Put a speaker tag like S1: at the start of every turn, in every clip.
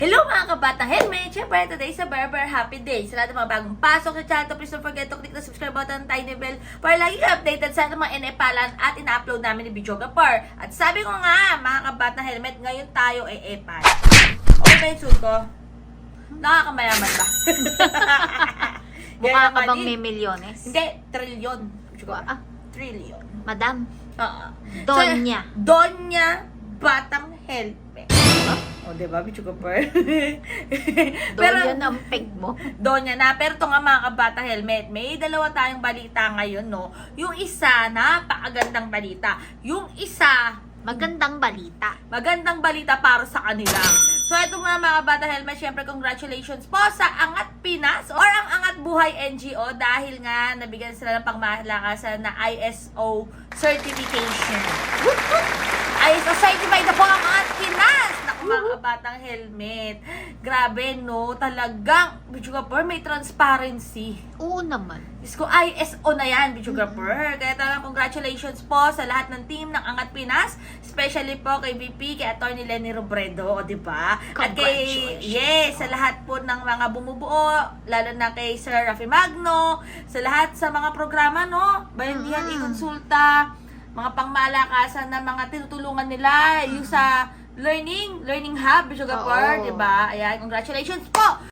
S1: Hello mga kabata helmet! Siyempre, today sa Berber Happy Day. Sa lahat ng mga bagong pasok sa channel, please don't forget to click the subscribe button, tiny bell, para lagi updated sa mga inepalan at ina-upload namin ni Videographer. At sabi ko nga, mga kabata helmet, ngayon tayo ay epal. Okay ba yung suit ko? Nakakamayaman ba?
S2: Mukha ka bang may milyones?
S1: Hindi, trilyon. Trilyon.
S2: Madam,
S1: Oo.
S2: Donya.
S1: So, Donya Batang Helmet. O, diba, Videographer?
S2: Donya ang peg mo.
S1: Donya na. Pero ito nga mga kabata helmet, may dalawa tayong balita ngayon, no? Yung isa, napakagandang balita. Yung isa,
S2: Magandang balita.
S1: magandang balita para sa kanila. So, ito mga bata helmet, syempre congratulations po sa Angat Pinas or ang Angat Buhay NGO dahil nga nabigyan sila ng pangmalakasan na ISO certification. ISO certified na po ang Angat Pinas! Naku mga batang helmet. Grabe no, talagang Videographer, may transparency.
S2: Oo naman.
S1: Diyos ko, ISO na yan, Videographer. Kaya talagang congratulations po sa lahat ng team ng Angat Pinas, especially po kay VP, kay Atty. Lenny Robredo, o diba? At kay, yes, sa lahat po ng mga bumubuo, lalo na kay Sir Rafi Magno, sa lahat sa mga programa, no? Bayandihan, i-konsulta, mga pangmalakasan na mga tinutulungan nila, yung sa learning hub, Videographer, diba? Ayan, congratulations po!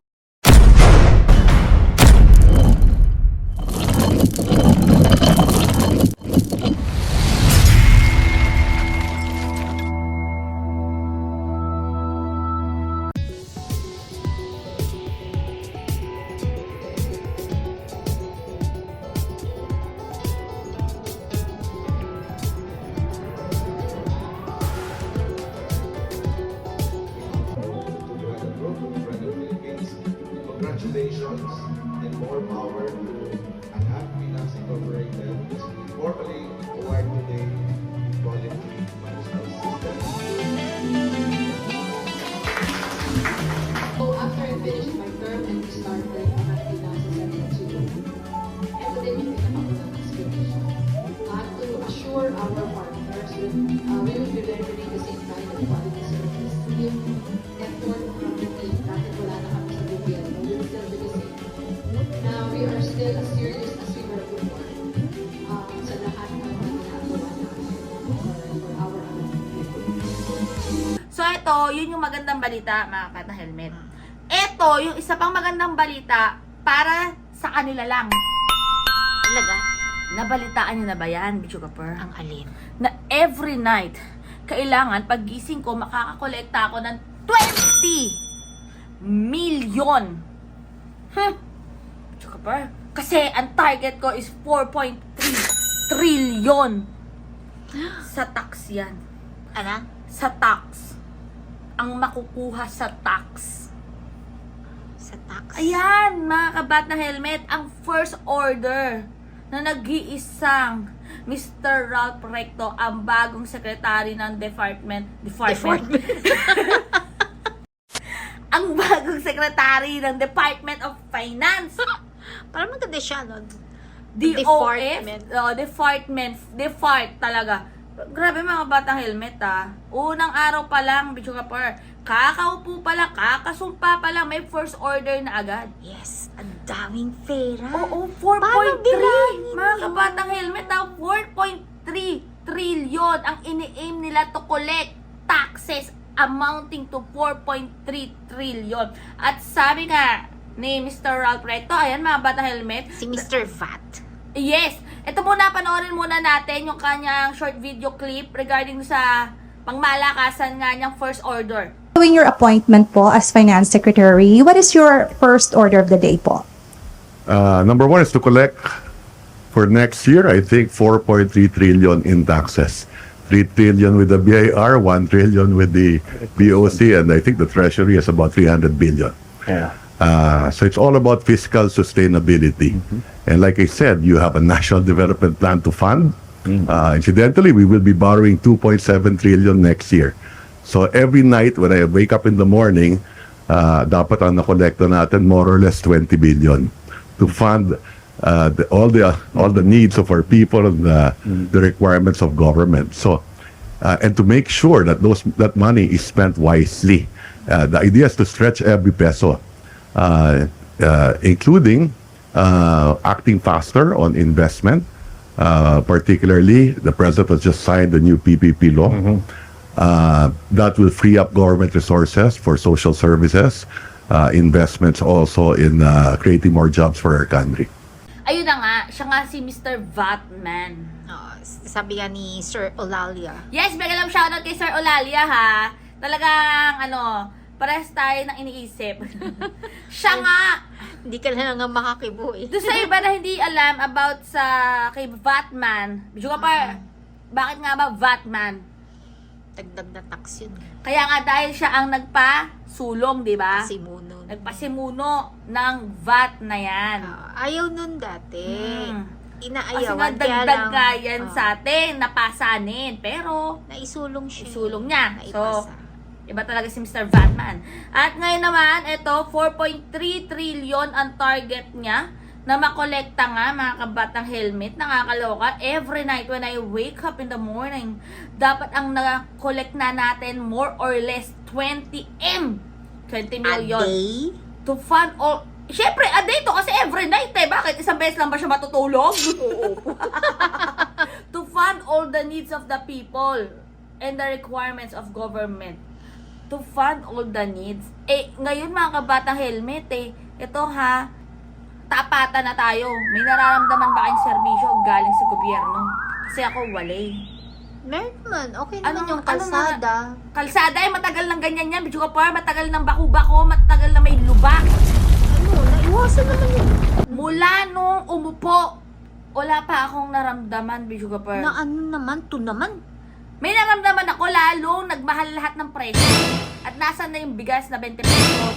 S3: Congratulations and more power to Angat Pinas Incorporated as we formally award today quality management system.
S4: So after I finished my term and we started Angat Pinas as an NGO, and today we made a couple of explanation to assure our partners that we will be delivering the same kind of quality service. Yung effort from the team, kahit wala na kami sa gobyerno, we will still do the same. Now, we are still as serious as we were before sa lahat ng ginagawa namin for our
S1: So, ito, yun yung magandang balita, mga kabata helmet. Ito, yung isa pang magandang balita para sa kanila lang.
S2: Talaga?
S1: Nabalitaan nyo na ba yan, Videographer?
S2: Ang alin.
S1: Na every night, kailangan paggising ko, makakakolekta ako ng 20 million. Videographer? Kasi ang target ko is 4.3 trillion. Sa tax yan.
S2: Ano?
S1: Sa tax. Ang makukuha sa tax.
S2: Sa tax.
S1: Ayan, mga kabat na helmet, ang first order na nag-iisang Mr. Ralph Recto, ang bagong secretary ng department. Ang bagong secretary ng Department of Finance.
S2: Parang maganda siya, no?
S1: DOF? Depart talaga. Grabe mga batang helmet Unang araw pa lang, Videographer, kakaupo pa lang, kakasumpa pa lang, may first order na agad.
S2: Yes, ang daming pera.
S1: Oo,
S2: Paano
S1: 4.3.
S2: bilangin
S1: Mga
S2: yun?
S1: kabatang helmet 4.3 trillion ang ini-aim nila to collect taxes amounting to 4.3 trillion. At sabi nga ni Mr. Ralph Recto, ayan mga batang helmet,
S2: Si Mr. Vat.
S1: yes, ito muna, panoorin muna natin yung kanyang short video clip regarding sa pangmalakasan nga niyang first order.
S5: Following your appointment po as Finance Secretary, what is your first order of the day po?
S6: Number one is to collect for next year, I think 4.3 trillion in taxes. 3 trillion with the BIR, 1 trillion with the BOC, and I think the Treasury is about 300 billion.
S7: Yeah.
S6: So it's all about fiscal sustainability. And like I said, you have a national development plan to fund. Incidentally, we will be borrowing 2.7 trillion next year. So every night when I wake up in the morning, dapat ang nakolekta natin more or less 20 billion to fund all the needs of our people and the requirements of government. So and to make sure that that money is spent wisely. The idea is to stretch every peso, including acting faster on investment. Particularly, the President has just signed the new PPP law. That will free up government resources for social services, investments also in creating more jobs for our country.
S1: Ayun na nga, siya nga si Mr. Vatman.
S2: Sabi nga ni Sir Olalia.
S1: Yes, bigyan lang shoutout kay Sir Olalia ha. Talagang parehas tayo ng iniisip. Siya nga.
S2: Hindi ka na nga makakibo eh.
S1: Doon sa iba na hindi alam about sa kay Vatman. Medyo ka pa, bakit nga ba Vatman?
S2: Dagdag na tax yun.
S1: Kaya nga dahil siya ang nagpa-sulong, di ba?
S2: Simuno.
S1: Nagpasimuno ng VAT na yan.
S2: Ayaw nun dati.
S1: Kasi
S2: Inaayawan.
S1: nga
S2: kaya
S1: dagdag
S2: lang,
S1: nga yan sa atin, napasanin. Pero,
S2: naisulong siya.
S1: isulong niya. So,
S2: Naipasa.
S1: iba talaga si Mr. Vatman. At ngayon naman, ito, 4.3 trillion ang target niya na makolekta nga mga kabatang helmet. Nakakaloka. Every night when I wake up in the morning, dapat ang na-collect na natin more or less 20 million.
S2: A day?
S1: To fund all. Siyempre, a day to kasi every night eh. Bakit? Isang beses lang ba siya matutulog? To fund all the needs of the people and the requirements of government. To fund all the needs. Eh, ngayon mga kabatang helmet ito ha, tapatan na tayo. May nararamdaman ba kayong serbisyo galing sa gobyerno? Kasi ako wala eh.
S2: Meron naman. Okay naman
S1: Anong-
S2: yung kalsada.
S1: Kalsada eh, matagal ng ganyan yan. Medyo ka pa, matagal ng baku-bako, matagal na may lubak.
S2: Naiwasan naman yun.
S1: Mula nung umupo, wala pa akong naramdaman, Bijou Gapar.
S2: Na ano naman, to naman.
S1: May naramdaman ako, lalong nagmahal lahat ng presyo. At nasan na yung bigas na 20 pesos?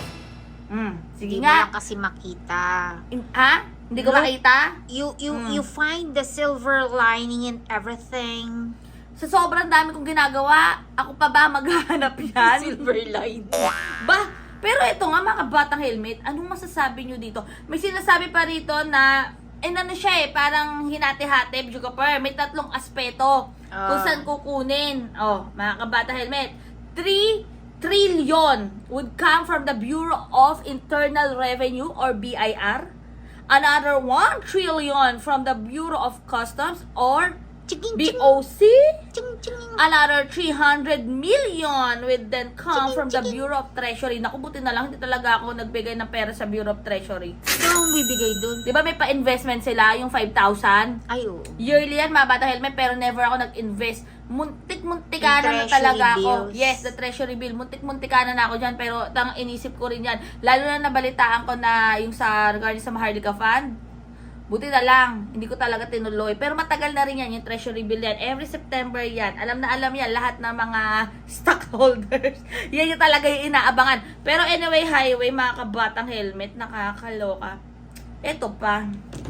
S1: Sige
S2: Hindi mo lang
S1: nga.
S2: kasi makita.
S1: Ha? Hindi ko
S2: No.
S1: makita?
S2: You find the silver lining in everything.
S1: Sa sobrang dami kong ginagawa, ako pa ba maghahanap yan?
S2: lining.
S1: Ba? Pero ito nga mga batang helmet, anong masasabi nyo dito? May sinasabi pa rito na, ano siya parang hinati-hati, Bijou Gapar. May 3 aspeto kung saan kukunin. Mga kabatang helmet, 3 trillion would come from the Bureau of Internal Revenue or BIR. Another 1 trillion from the Bureau of Customs or
S2: Ching,
S1: BOC.
S2: ching, ching.
S1: Another 300 million would then come from the Bureau of Treasury. Naku, buti na lang, hindi talaga ako nagbigay ng pera sa Bureau of Treasury.
S2: Ano ang bibigay dun?
S1: Di ba may pa-investment sila, yung 5,000?
S2: Ay, oo.
S1: Yearly yan, mga bata helmet, pero never ako nag-invest. Muntik-muntikana na
S2: Yung
S1: talaga
S2: treasury
S1: ako.
S2: bills.
S1: Yes, the treasury bill. Muntik-muntikana na ako dyan, pero inisip ko rin yan. Lalo na nabalitaan ko na yung sa regarding sa Maharlika Fund. Buti na lang, hindi ko talaga tinuloy. Pero matagal na rin yan, yung treasury bill yan. Every September yan. Alam na alam yan, lahat ng mga stockholders. Yan yung talaga yung inaabangan. Pero anyway, highway, mga kabatang helmet, nakakaloka. Ito pa.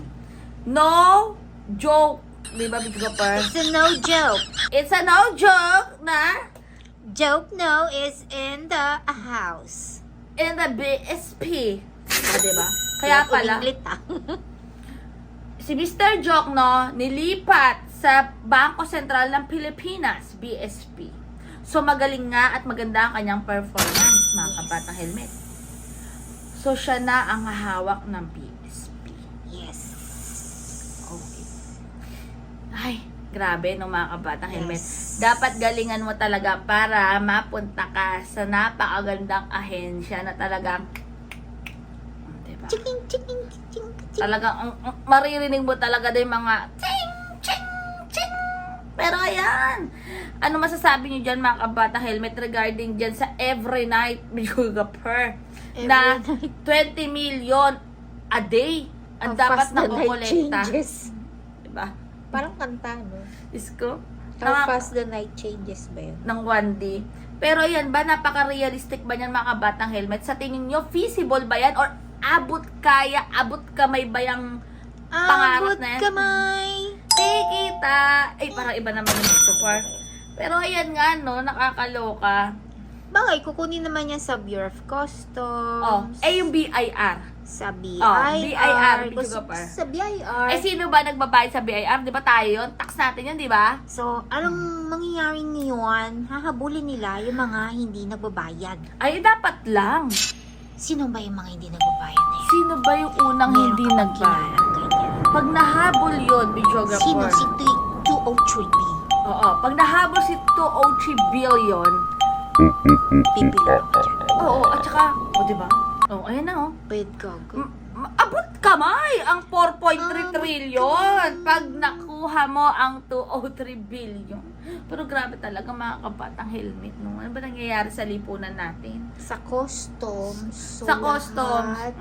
S1: No joke. Di ba, Bijou Gapar?
S2: It's a no joke.
S1: It's a no joke na
S2: Joke no is in the house.
S1: in the BSP. Diba? Kaya pala,
S2: Uminglit
S1: si Mr. Joke, nilipat sa Bangko Sentral ng Pilipinas, BSP. So, magaling nga at maganda ang kanyang performance, mga kabatang helmet. So, siya na ang hawak ng BSP.
S2: Yes.
S1: Okay. Ay, grabe no mga kabatang helmet.
S2: Yes.
S1: Dapat galingan mo talaga para mapunta ka sa napakagandang ahensya na talagang, diba?
S2: Chiking, chiking, chiking, chiking.
S1: Talagang maririnig mo talaga din mga ching, ching, ching. Pero ayan, ano masasabi niyo dyan mga kabatang helmet regarding dyan sa every night Bijou Gapar na
S2: Every
S1: 20 million a day ang
S2: How
S1: dapat
S2: fast the night
S1: nakukolekta.
S2: changes.
S1: Diba?
S2: Parang kanta, no?
S1: Isko?
S2: How fast the night changes ba yun?
S1: Ng 1D. Pero yan ba, napaka-realistic ba yan mga kabatang helmet? Sa tingin nyo, feasible ba yan? Or abot kamay ba yung pangarap
S2: Abot
S1: na yan?
S2: kamay.
S1: Tikita! Ay, parang iba naman yung gusto par. Pero ayan nga, no, nakakaloka.
S2: Bagay, kukunin naman yan sa Bureau of Customs.
S1: Yung BIR.
S2: Sa BIR.
S1: BIR,
S2: Kasi
S1: Bichuga Par.
S2: sa BIR.
S1: Sino ba nagbabayad sa BIR? Di ba tayo yun? Tax natin yun, di ba?
S2: So, anong mangyayari ngayon? Hahabulin nila yung mga hindi nagbabayad.
S1: Ay, dapat lang.
S2: Sino ba yung mga hindi nagbabayad na yun?
S1: Sino ba yung unang
S2: Meron
S1: hindi
S2: ka bang
S1: nagbayad?
S2: kilala ganyan?
S1: Pag nahabol yun, Bichuga
S2: Sino?
S1: Par.
S2: Si 203B.
S1: Oo, pag nahabol si 203 billion,
S2: Pipilang ka dyan.
S1: oo, at saka, di ba? Ayan na,
S2: Wait, gago.
S1: Abot kamay ang 4.3
S2: Abot
S1: trillion pag nakuha mo ang 203 billion. Pero grabe talaga mga kabatang helmet, no? Ano ba nangyayari sa lipunan natin?
S2: Sa customs. So
S1: Sa customs,
S2: lahat-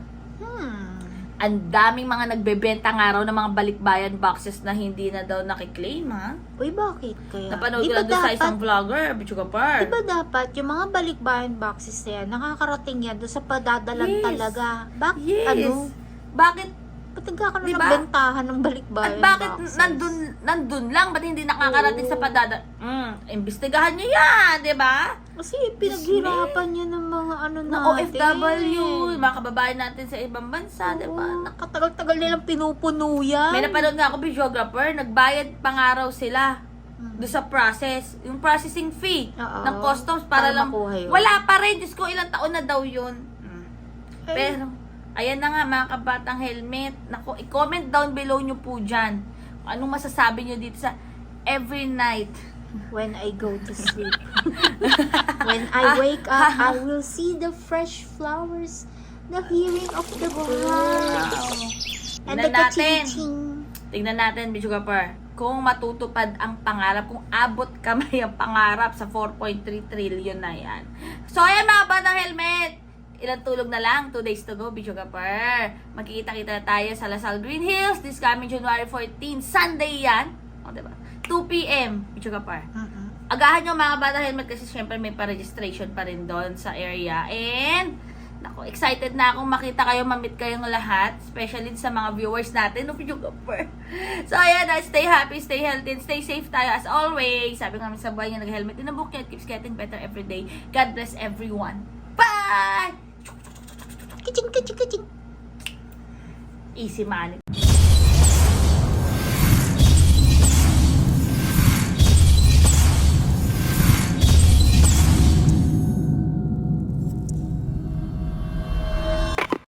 S1: ang daming mga nagbebenta nga raw ng mga balikbayan boxes na hindi na daw nakiklaim, ha?
S2: Uy, bakit kaya?
S1: Napanood
S2: Di
S1: ko
S2: ba
S1: lang doon sa
S2: dapat-
S1: isang vlogger, Bichuga Par.
S2: Di ba dapat yung mga balikbayan boxes na yan, nakakarating yan doon sa padadalan
S1: Yes.
S2: talaga? Bakit?
S1: Yes.
S2: Ano?
S1: Bakit?
S2: Ba't nagkakaroon
S1: Di
S2: ng
S1: ba?
S2: bentahan ng balikbayan
S1: At bakit
S2: boxes?
S1: nandun lang? Ba't hindi nakakarating sa
S2: Oo.
S1: imbestigahan nyo yan, di ba?
S2: Kasi pinaghirapan niya ng mga ano
S1: Na
S2: natin.
S1: OFW, mga kababayan natin sa ibang bansa, di ba?
S2: Oo, katagal-tagal nilang pinupuno yan.
S1: May napanood nga ako, videographer, nagbayad pa nga raw sila doon sa process, yung processing fee
S2: Oo.
S1: ng customs para
S2: Para
S1: lang,
S2: makuha yun.
S1: wala pa rin, Diyos ko, ilang taon na daw yun.
S2: Ay.
S1: Pero, ayan na nga mga kabatang helmet, naku, i-comment down below nyo po dyan, kung anong masasabi nyo dito sa every night.
S2: When I go to sleep. When I wake up, I will see the fresh flowers, the hearing of the birds, and the
S1: Tingnan natin.
S2: ka-ching-ching.
S1: Tingnan natin, Bichugapar, kung matutupad ang pangarap, kung abot kamay ang pangarap sa 4.3 trillion na yan. So, ayan mga batang helmet, ilang tulog na lang, 2 days to go, Bichugapar. Magkikita-kita tayo sa Lasal Green Hills this coming January 14, Sunday yan. O, diba? 2 p.m. Bichugapar. Agahan nyo mga batang helmet kasi syempre may pa-registration pa rin doon sa area. And, naku, excited na akong makita kayo, mamit kayong lahat. Especially sa mga viewers natin of YouTuber. So, ayan na. Stay happy, stay healthy, and stay safe tayo as always. Sabi nga namin sa buhay niya, nag-helmet in a book niya. It keeps getting better every day. God bless everyone. Bye!
S2: Ka-ching, ka-ching, ka-ching.
S1: Easy money.